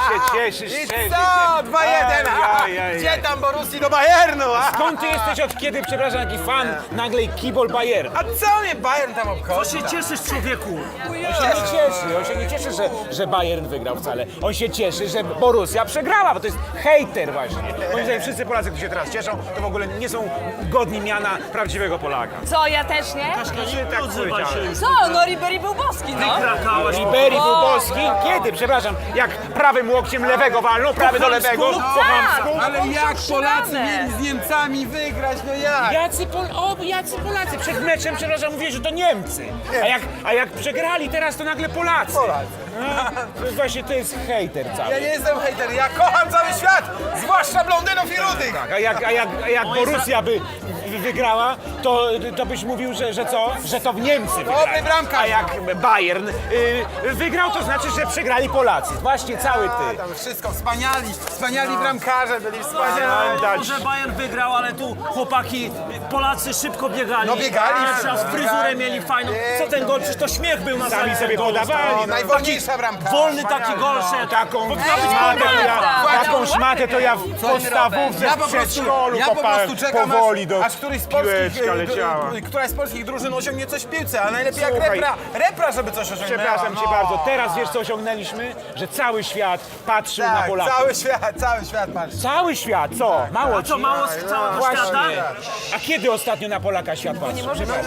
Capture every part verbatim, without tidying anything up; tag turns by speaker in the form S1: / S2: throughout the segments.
S1: się cieszysz,
S2: I
S1: cieszysz
S2: co?
S1: się.
S2: dwa jeden.
S1: Ej, ej, ej,
S2: Gdzie
S1: ej.
S2: tam Borussii do Bayernu? a?
S1: Skąd ty jesteś, od kiedy, przepraszam, taki fan nagle kibol Bayern?
S2: A co mnie Bayern tam obchodzi?
S3: Co się cieszysz, człowieku?
S1: On się nie cieszy, on się nie cieszy, że, że Bayern wygrał wcale. On się cieszy, że Borussia przegrała, bo to jest hejter właśnie. Moim zdaniem wszyscy Polacy, którzy się teraz cieszą, to w ogóle nie są godni miana prawdziwego Polaka.
S4: Co, ja też nie?
S1: tak
S3: Odzywaj się już.
S4: Co, no Ribery był boski, no.
S3: Krakałaś.
S1: Ribery był boski? Kiedy? Przepraszam, jak prawym łokciem lewego walnął, prawy do lewego, po chamsku.
S2: Ale jak Polacy
S4: Przegrane.
S2: mieli z Niemcami wygrać, no jak?
S1: Jacy, Pol o, jacy Polacy? Przed meczem, przepraszam, mówię, że to Niemcy. A jak, a jak przegrali teraz, to nagle Polacy.
S2: Polacy.
S1: No, to jest właśnie to jest hejter cały.
S2: Ja nie jestem hejter, ja kocham cały świat, zwłaszcza blondynów i rudych.
S1: Tak, a jak, a jak, a jak Borussia by wy- wygrała, to, to byś mówił, że, że co? Że to w Niemcy wygrali.
S2: bramkarz.
S1: A jak Bayern y, wygrał, to znaczy, że przegrali Polacy. Właśnie cały
S2: A,
S1: ty.
S2: tam wszystko, wspaniali, wspaniali bramkarze byli, wspaniali.
S1: dać.
S3: Może Bayern wygrał, ale tu chłopaki, Polacy szybko biegali.
S2: No biegali.
S3: Pierwszy raz fryzurę mieli fajną. Co ten gol? Przecież to śmiech był na
S1: Sami
S3: sali
S1: sobie
S3: golu.
S1: podawali.
S2: O, najwolniejsza bramka.
S3: Wolny taki gol szedł.
S1: Taką
S3: Powinna być
S1: szmatę, to ja,
S4: prawda.
S1: taką szmatę to ja w podstawówce
S2: Ja
S1: w
S2: po prostu,
S1: przedszkolu
S2: ja po
S1: kopałem
S2: prostu czekam,
S1: powoli
S2: aż,
S1: do
S2: aż któryś z polskich,
S1: piłeczka
S2: e,
S1: leciała.
S2: d- któraś z polskich drużyn osiągnie coś w piłce, a najlepiej jak
S1: Słuchaj.
S2: repra, repra, żeby coś osiągnęła.
S1: Przepraszam cię
S2: no.
S1: bardzo, teraz wiesz co osiągnęliśmy? Że cały świat patrzył na
S2: Tak,
S1: Polaków.
S2: cały świat, cały świat patrzy.
S1: Cały świat, co? Mało
S3: A co,
S1: ci?
S3: mało z całego
S1: Właśnie.
S3: świata?
S1: A kiedy ostatnio na Polaka świat patrzył?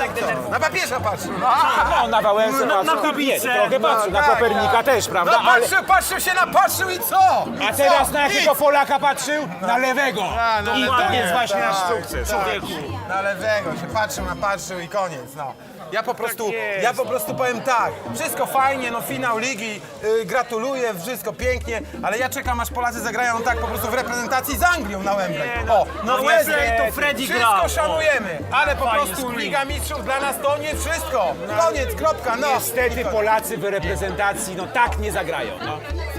S2: Na papieża patrzy.
S1: No, na Wałęsę
S3: Na- na
S1: patrzył,
S3: Kubicę.
S1: nie, trochę patrzył, na
S2: tak,
S1: Kopernika
S2: tak.
S1: też, prawda?
S2: No
S1: Ale,
S2: patrzył, patrzył się, napatrzył i co?
S1: a
S2: I
S1: teraz
S2: co?
S1: na jakiego
S2: Nic.
S1: Polaka patrzył? Na lewego.
S2: A, na
S1: I to
S2: lewego,
S1: jest właśnie nasz
S2: tak,
S1: sukces.
S2: tak.
S1: Człowieku.
S2: Na lewego się patrzył, napatrzył i koniec, no. Ja po prostu,
S1: jest,
S2: ja po prostu powiem tak, wszystko fajnie, no finał ligi, y, gratuluję, wszystko pięknie, ale ja czekam aż Polacy zagrają tak po prostu w reprezentacji z Anglią na Wembley. O, no
S3: No
S2: Wesley,
S3: Wesley to Freddy
S2: wszystko
S3: grał.
S2: szanujemy, ale po
S3: Fajny
S2: prostu
S3: screen.
S2: Liga Mistrzów dla nas to nie wszystko. Koniec, kropka, no.
S1: Niestety Polacy w reprezentacji no tak nie zagrają. No.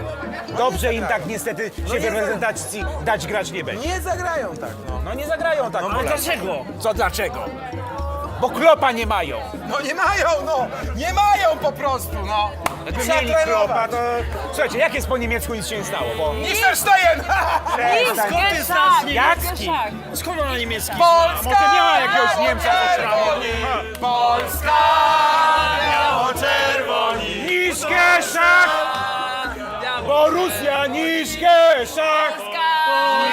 S1: Dobrze im tak niestety się w reprezentacji dać grać nie będzie.
S2: Nie zagrają tak, no.
S1: No nie zagrają tak
S3: Ale
S1: Polacy.
S3: dlaczego?
S1: Co dlaczego? Bo Klopa nie mają.
S2: No nie mają, no, nie mają po prostu, no.
S1: Jakby
S2: Trzeba
S1: mieli Klopa,
S2: trenować.
S1: to... Słuchajcie, jak jest po niemiecku nic się nie stało, bo...
S2: Liechtenstein!
S1: Przestań.
S3: Skąd ty znasz
S4: Geszak,
S3: niemiecki?
S4: Geszak.
S3: Skąd ona niemiecki?
S2: Polska!
S1: Może miała jakiegoś Niemca ze szramą.
S2: Polska!
S3: Biało-czerwoni.
S1: Niż Geszak! Borussia niż Geszak!